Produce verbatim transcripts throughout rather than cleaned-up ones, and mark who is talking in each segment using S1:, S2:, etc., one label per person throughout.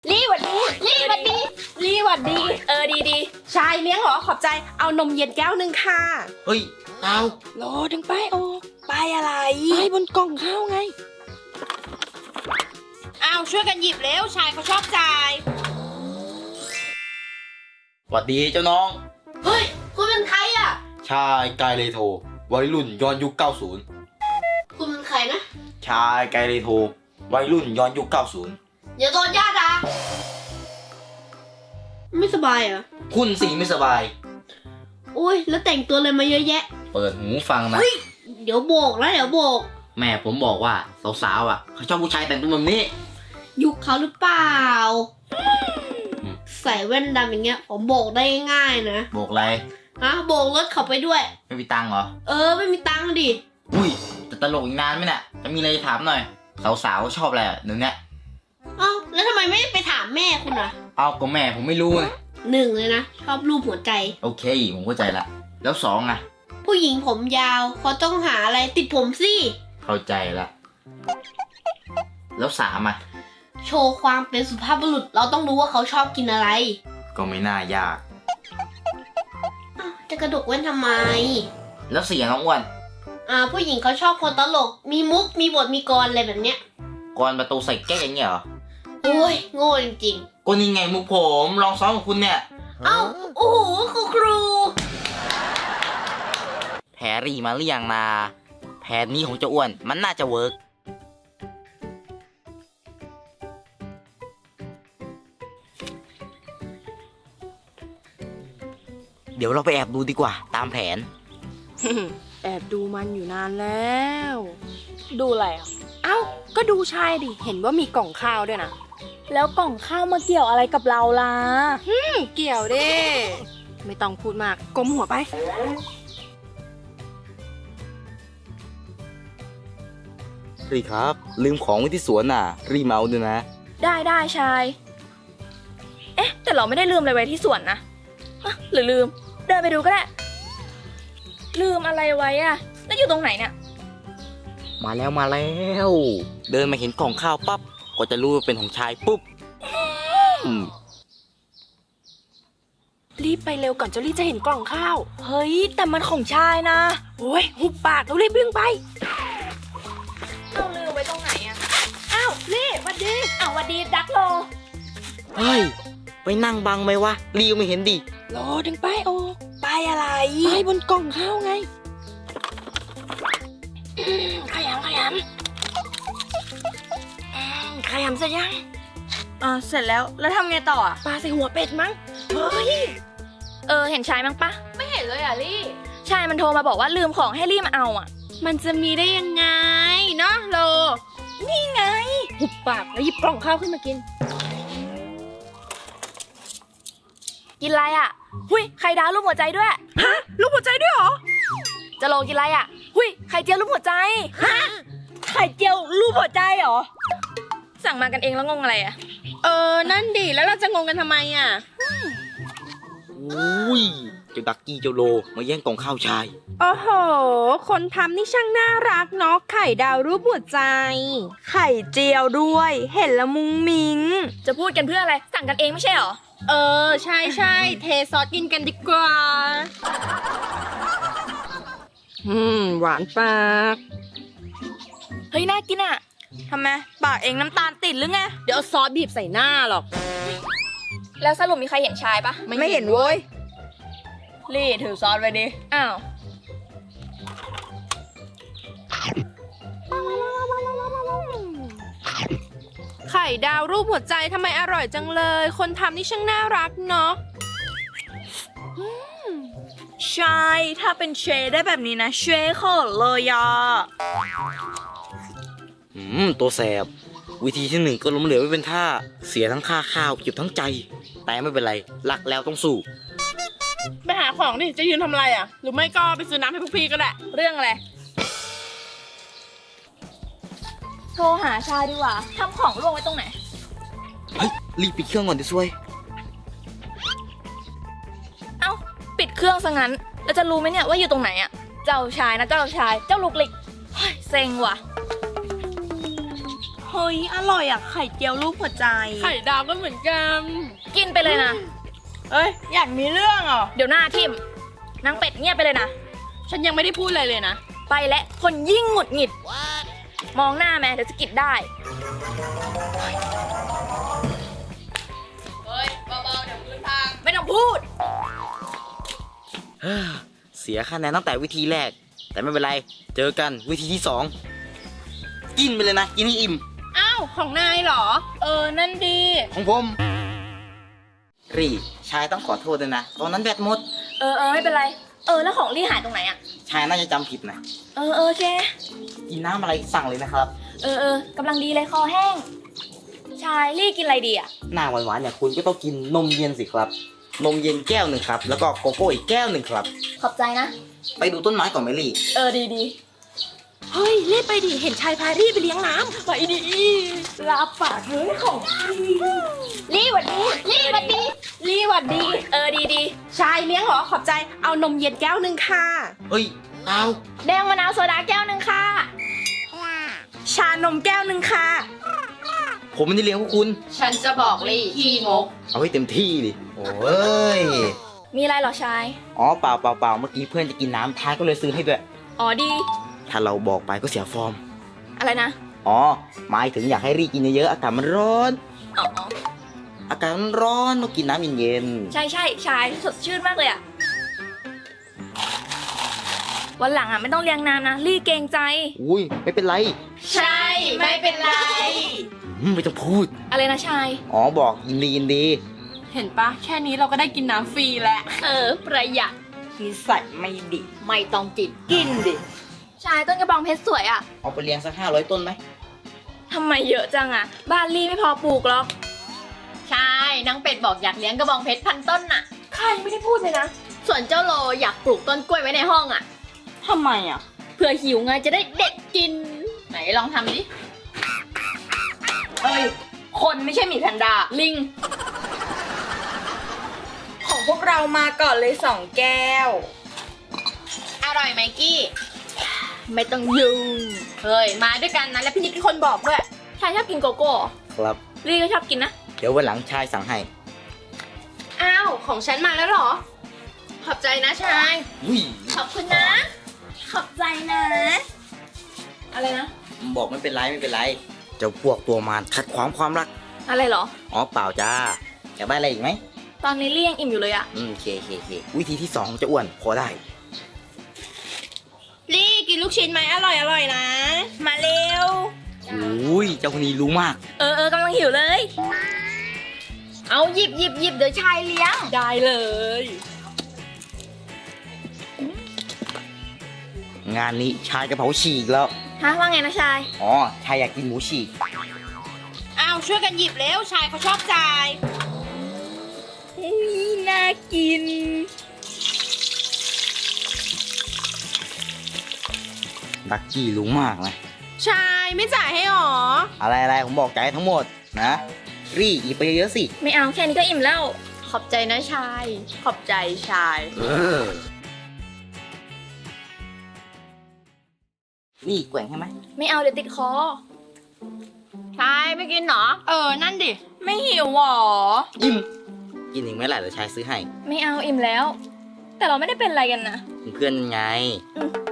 S1: รีหวัดดีรีหวัดดีรีหวัดดีเออดีดีชายเลี้ยงเหรอขอบใจเอานมเย็นแก้วหนึ่งค่ะ
S2: เฮ้ยเอา
S1: รอถึงป้ายออกป้ายอะไรป้ายบนกล่องข้าวไงอ้าวช่วยกันหยิบเร็วชายเขาชอบจ่าย
S2: หวัดดีเจ้าน้อง
S1: เฮ้ยคุณเป็นใครอ่ะ
S2: ชายไกเลโทวัยรุ่นย้อนยุคเก้าสิบ
S1: คุณเป็นใครนะ
S2: ชายไกเลโทวัยรุ่นย้อนยุคเก้าสิบ
S1: อย่าโดนญาติอ่ะไม่สบายเหรอ
S2: คุณสิไม่สบาย
S1: โอ้ยแล้วแต่งตัวอะไรมาเยอะแยะ
S2: เปิดหูฟังนะ
S1: เฮ้ยเดี๋ยวโบกแล้วเดี๋ยวโบก
S2: แม่ผมบอกว่าสาวๆอ่ะเขาชอบผู้ชายแต่งตัวแบบนี้
S1: ยุคเขาหรือเปล่าใส่แว่นดำอย่างเงี้ยผมโบกได้ง่ายนะ
S2: โบกอะไร
S1: ฮะโบกรถเขาไปด้วย
S2: ไม่มีตังค์เหรอ
S1: เออไม่มีตังค์ดิ
S2: อุ้ยจะตลกอีกนานไหมเนี่ยจะมีอะไรจะถามหน่อยสาวๆชอบอะไรเดี๋ยวนี้
S1: เอ้าแล้วทำไมไม่ไปถามแม่คุณอ่ะ
S2: เอาก็แม่ผมไม่รู้ไง
S1: หนึ่งเลยนะชอบรูปหัวใจ
S2: โอเคผมเข้าใจละแล้วสองอ่ะ
S1: ผู้หญิงผมยาวเขาต้องหาอะไรติดผมสิ
S2: เข้าใจละแล้วสามอ่ะ
S1: โชว์ความเป็นสุภาพบุรุษเราต้องรู้ว่าเขาชอบกินอะไร
S2: ก็ไม่น่ายาก
S1: จะกระดกแว่นทำไม
S2: แล้วสี่น้องอ้วน
S1: อ่าผู้หญิงเขาชอบคนตลกมีมุกมีบทมีกรอะไรแบบเนี้ย
S2: กรประตูใส่แก้อย่างเงี้ยเหรอ
S1: โอ้ยโง่จริง
S2: ๆก็นี่ไงมุกผมลองซ้อมกับคุณเนี่ย
S1: เอ้าโอ้โหครูครู
S2: แผนรีมาหรือยังนาแผนนี้ของเจ้าอ้วนมันน่าจะเวิร์กเดี๋ยวเราไปแอบดูดีกว่าตามแผน
S3: แอบดูมันอยู่นานแล้วดูอะไรอ่ะเอ้าก็ดูชายดิเห็นว่ามีกล่องข้าวด้วยนะแล้วกล่องข้าวมาเกี่ยวอะไรกับเราล่ะฮึเกี่ยวดิไม่ต้องพูดมากก้มหัวไป
S2: รีครับลืมของไว้ที่สวนน่ะรีเมาด้วยนะ
S3: ได้ได้ชายเอ๊ะแต่เราไม่ได้ลืมอะไรไว้ที่สวนนะอะหรือลืมเดินไปดูก็ได้ลืมอะไรไว้อะแล้วอยู่ตรงไหนเนี่ย
S2: มาแล้วมาแล้วเดินมาเห็นกล่องข้าวปั๊บก็จะรู้ว่าเป็นของชายปุ๊บ
S3: รีบไปเร็วก่อนเจ้าลี่จะเห็นกล่องข้าวเฮ้ยแต่มันของชายนะโอ้ยหุบปากเรารีบวิ่งไปเราลืมไว้ตรงไหนอะอ้าวลี่วัดดีอ้าววัดดีดักโล
S2: เฮ้ยไปนั่งบังไหมวะรีไม่เห็นดิ
S3: รอถึงป้ายออกป้ายอะไรป้ายบนกล่องข้าวไงขยำขยำขยำเสร็จยังอ่าเสร็จแล้วแล้วทำไงต่ออ่ะปลาใส่หัวเป็ดมั้งเฮ้ยเออเห็นชายมั้งปะ
S1: ไม่เห็นเลยอ่ะลี่
S3: ชายมันโทรมาบอกว่าลืมของให้ลี่มาเอาอ่ะ
S1: มันจะมีได้ยังไงเนาะโล
S3: นี่ไงหุบปากแล้วหยิบกล่องข้าวขึ้นมากินกินอะไรอ่ะหุยไข่ดาวรูปหัวใจด้วยฮะรูปหัวใจด้วยเหรอจะโลกินอะไรอ่ะหุยไข่เจียวรูปหัวใจฮะไข่เจียวรูปหัวใจเหรอสั่งมากันเองแล้วงงอะไรอ่ะ
S1: เออนั่นดิแล้วเราจะงงกันทำไมอ่ะ
S2: อุ้ยเจ้าดักกี้เจ้าโลมาแย่งกล่องข้าวชาย
S1: โอ้โหคนทำนี่ช่างน่ารักเนาะไข่ดาวรูปหัวใจไข่เจียวด้วยเห็นละมุ้งมิ้ง
S3: จะพูดกันเพื่ออะไรสั่งกันเองไม่ใช่เหรอ
S1: เออใช่ใช่เทซอสกินกันดีกว่าอืมหวานปาก
S3: เฮ้ยน่ากินอ่ะทำไมปากเองน้ำตาลติดหรือไง
S1: เดี๋ยวซอสบีบใส่หน้าหรอก
S3: แล้วสรุปมีใครเห็นชายปะ
S1: ไม่เห็นเว้ย
S3: ลี่ถือซอสไว้ดิอ้าว
S1: ไข่ดาวรูปหัวใจทำไมอร่อยจังเลยคนทำนี่ช่างน่ารักเนาะ
S3: ใช่ถ้าเป็นเชได้แบบนี้นะเชขอเลยอ่ะ
S2: อืมตัวแสบวิธีที่หนึ่งก็ล้มเหลวไม่เป็นท่าเสียทั้งค่าข้าวเก็บทั้งใจแต่ไม่เป็นไรรักแล้วต้องสู้
S1: ไปหาของดิจะยืนทำอะไรอ่ะหรือไม่ก็ไปซื้อน้ำให้พวกพี่ก็ได้
S3: เรื่องอะไรโทรหาชายดีกว่าทำของลงไว้ตรงไหน
S2: เฮ้ยรีบปิดเครื่องก่อนดิซวย
S3: เอ้าปิดเครื่องซะงั้นแล้วจะรู้ไหมเนี่ยว่าอยู่ตรงไหนอ่ะเจ้าชายนะเจ้าชายเจ้าลูกหลิกเฮ้ยเซ็งว่ะ
S1: เฮ้ย อร่อยอ่ะ ไข่เจียวรูปหัวใจ
S3: ไข่ดาวก็เหมือนกัน กินไปเลยนะ
S1: เอ้ย อยากมีเรื่องเหรอ
S3: เดี๋ยวหน้าทิมนางเป็ดเงียบไปเลยนะ
S1: ฉันยังไม่ได้พูดอะไรเลยนะ
S3: ไปและคนยิ่งหงุดหงิด มองหน้าแม่เดี๋ยวจะกิดได้ เฮ้ยเบาๆเดี๋ยวพื้นพังไม่ต้องพูด
S2: เฮ้อเสียคะแนนตั้งแต่วิธีแรก แต่ไม่เป็นไร เจอกันวิธีที่สองกินไปเลยนะ กินให้อิ่ม
S1: อ้าว ของนายเหรอ
S3: เออ นั่นดี
S2: ของผม รีชายต้องขอโทษด้วยนะ ตอนนั้นแบตหมด
S3: เออเออไม่เป็นไร เออ แล้วของลี่หายตรงไหนอะ
S2: ชายน่าจะจำผิดนะ
S3: เออเออโอเค
S2: กินน้ำอะไรสั่งเลยนะครับ
S3: เออเออกำลังดีเลยคอแห้ง ชายลี่กินอะไรดีอะ
S2: หน้าหวานๆเนี่ยคุณก็ต้องกินนมเย็นสิครับ นมเย็นแก้วหนึ่งครับ แล้วก็โกโก้อีกแก้วหนึ่งครับ
S3: ขอบใจนะ
S2: ไปดูต้นไม้ก่อนไหมลี่
S3: เออดีดี
S1: เฮ้ย รีบไปดิ เห็นชายพารีบไปเลี้ยงน้ำ
S3: ไปดีรับปากเลยของลี่หวัดดีลี่หวัดดี
S1: รีบหวัดดี
S3: เออดีดี
S1: ชายเลี้ยงเหรอ ขอบใจ เอานมเย็นแก้วหนึ่งค่ะ
S2: เฮ้ยเอา
S3: แดงมะนาวโซดาแก้วหนึ่งค่ะ
S1: ชานมแก้วหนึ่งค่ะ
S2: ผมไม่ได้เลี้ยงพวกคุณ
S3: ฉันจะบอกลี่ขี้งก
S2: เอาให้เต็มที่ดิ โอ้ย
S3: มีอะไรเหรอชาย
S2: อ๋อเปล่าเปล่าเปล่าเมื่อกี้เพื่อนจะกินน้ำท้ายก็เลยซื้อให้ด้วย
S3: อ๋อดี
S2: ถ้าเราบอกไปก็เสียฟอร์ม
S3: อะไรนะ
S2: อ๋อ หมายถึงอยากให้รีกินเยอะๆ อากาศมันร้อน
S3: อ๋อ
S2: อากาศมันร้อนต้องกินน้ำเย็น
S3: ใช่ใช่ชายสดชื่นมากเลยอะวันหลังอะไม่ต้องเลี้ยงน้ำนะลี่เกรงใจ
S2: ๆอุ้ยไม่เป็นไร
S3: ใช่ไม่เป็นไร
S2: อืมไม่ต้องพูด
S3: อะไรนะชาย
S2: อ๋อบอกยินดียินดี
S1: เห็นปะ แค่นี้เราก็ได้กินน้ำฟรีแล้ว
S3: เออ ประหยัด
S1: นิสัยไม่ดี
S3: ไม่ต้องกิน
S1: กินดิ
S3: ชายต้นกระบองเพชรสวยอะ
S2: เอาไปเลี้ยงสักห้าร้อยต้นไหม
S3: ทำไมเยอะจังอะบ้านลี่ไม่พอปลูกหรอก
S4: ใช่นางเป็ดบอกอยากเลี้ยงกระบองเพชรพันต้นน่ะ
S3: ใครไม่ได้พูดเลยนะ
S4: ส่วนเจ้าโลอยากปลูกต้นกล้วยไว้ในห้องอ่ะ
S1: ทำไมอ่ะ
S4: เผื่อหิวไงจะได้เด็ดกิน ไหนลองทำดิ
S3: เอ้ย คนไม่ใช่หมีแพนด้า ลิง
S1: ของพวกเรามาก่อนเลยสองแก้ว
S4: อร่อยไหมกี้ ไม่ต้องยุ่ง เฮ้ย มาด้วยกันนะ แล้วพี่นิดเป็นคนบอกด้วย
S3: ชายชอบกินโกโก้เหรอ
S2: ครับ
S3: ลี่ก็ชอบกินนะ
S2: เดี๋ยววันหลังชายสั่งให้
S1: อ้าว ของฉันมาแล้วเหรอ
S4: ขอบใจนะชาย
S2: อุ้ย
S4: ขอบคุณนะ
S3: ขอบใจนะ อะไรนะ
S2: บอกไม่เป็นไรไม่เป็นไร เจ้าพวกตัวมารขัดขวางความรัก
S3: อะไรเหรอ
S2: อ๋อเปล่าจ้า อยากได้อะไรอีกไหม
S3: ตอนนี้ลี่ยังอิ่มอยู่เลยอะ
S2: อืมเคเคเควิธีที่สองจะอ้วนพอได้
S1: ลี่กินลูกชิ้นไหมอร่อยอร่อยนะ มาเร็ว
S2: อุ้ยเจ้าคนนี้รู้มาก
S3: เออเออกำลังหิวเลย
S4: เอาหยิบหยิบหยิบเดี๋ยวชายเลี้ยง
S1: ได้เลย
S2: งานนี้ชายกระเพราฉีกแล้ว
S3: ฮะว่าไงนะชาย
S2: อ๋อ ชายอยากกินหมูฉีก
S1: อ้าวช่วยกันหยิบเร็ว ชายเขาชอบจ่ายเฮ้ยน่ากิน
S2: ดักกี้รู้มากนะ
S1: ชายไม่จ่ายให้หรอ
S2: อะไรอะไรผมบอกใจายทั้งหมดนะ รีหยิบไปเยอะๆสิ
S3: ไม่เอาแค่นี้ก็อิ่มแล้ว
S4: ขอบใจนะชาย
S1: ขอบใจชาย
S2: เออ รีแกว่งใช่ไหม
S3: ไม่เอาเดี๋ยวติดคอ
S4: ชายไม่กินเหรอ
S1: เออ นั่นดิ ไม่หิวหรอ
S2: อิ่มกินอีกไหมล่ะเดี๋ยวชายซื้อให้
S3: ไม่เอาอิ่มแล้ว แต่เราไม่ได้เป็นอะไรกันนะ
S2: เพื่อนไง
S3: อืม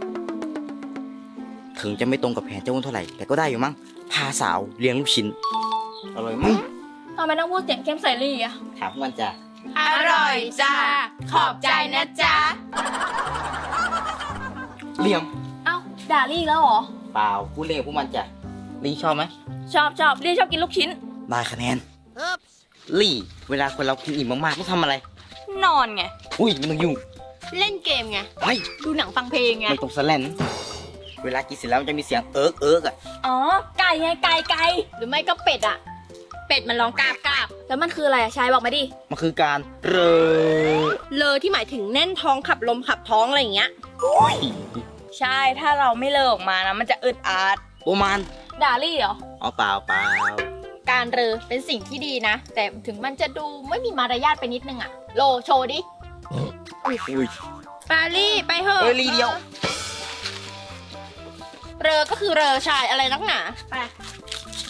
S2: ถึงจะไม่ตรงกับแผนเจ้าอ้วนเท่าไหร่ แต่ก็ได้อยู่มั้ง พาสาวเลี้ยงลูกชิ้น อร่อยมั้ง
S3: ทำไมต้องพูดเสียงเข้มใส่ลี่อะ
S2: ถามพวกมันจ้ะ
S1: อร่อยจ้า ขอบใจนะจ๊ะ
S2: เลี้ยง
S3: เอ้าด่าลี่แล้วเหรอ
S2: เปล่าพูดเล่นกับพวกมันจ้ะลี่ชอบไหม
S3: ชอบชอบลี่ชอบกินลูกชิ้น
S2: ได้คะแนนลี่เวลาคนเรากินอิ่มมากๆต้องทำอะไร
S3: นอนไง
S2: อุ้ยไม่ต้องยุ่ง
S4: เล่นเกมไง
S2: ไม่
S4: ดูหนังฟังเพลงไง
S2: ไม่ต้องสแลนเวลากินเสร็จแล้วมันจะมีเสียงเอิร์กเอิร์กอ่ะ
S3: อ๋อ ไก่ไงไก่ไก่
S4: หรือไม่ก็เป็ดอ่ะ เป็ดมันร้องกราบกราบ
S3: แล้วมันคืออะไรอะชายบอกมาดิ
S2: มันคือการเรอ
S1: เลอที่หมายถึงแน่นท้องขับลมขับท้องอะไรอย่างเงี้ย ใช่ ถ้าเราไม่เลอออกมานะ มันจะอึดอัด
S2: โอมาน
S3: ด่าลี่เหรอ
S2: อ๋อเปล่าเปล่า
S4: การเรอเป็นสิ่งที่ดีนะ แต่ถึงมันจะดูไม่มีมารยาทไปนิดนึงอ่ะ โลโชว์ดิ
S2: อุ้ย
S1: ปาลี่ไปเถอะ
S2: เอ้ยลีเดียว
S1: เรอก็คือเรอชายอะไรนักหนา ไป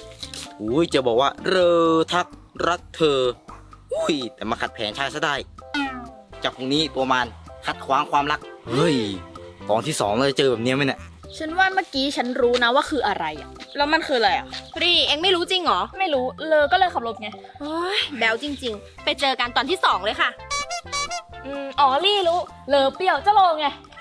S2: อุ้ยจะบอกว่าเรอทักรักเธอ อุ้ยแต่มาขัดแผนชายซะได้ จากพรุ่งนี้ตัวมันขัดขวางความรัก เฮ้ยตอนที่สองเราจะเจอแบบเนี้ยไหมเนี่ย
S3: ฉันว่าเมื่อกี้ฉันรู้นะว่าคืออะไรอะแล้วมันคืออะไรอะ
S4: ปรีเอ็งไม่รู้จริงเหรอ
S3: ไม่รู้เลอก็เลยขับรถไง
S4: โอ้ยแบลจริง ๆ ไปเจอกันตอนที่สองเลยค่ะ
S3: อืมอ๋อลี่รู้เลอเปรี้ยวจะโลไง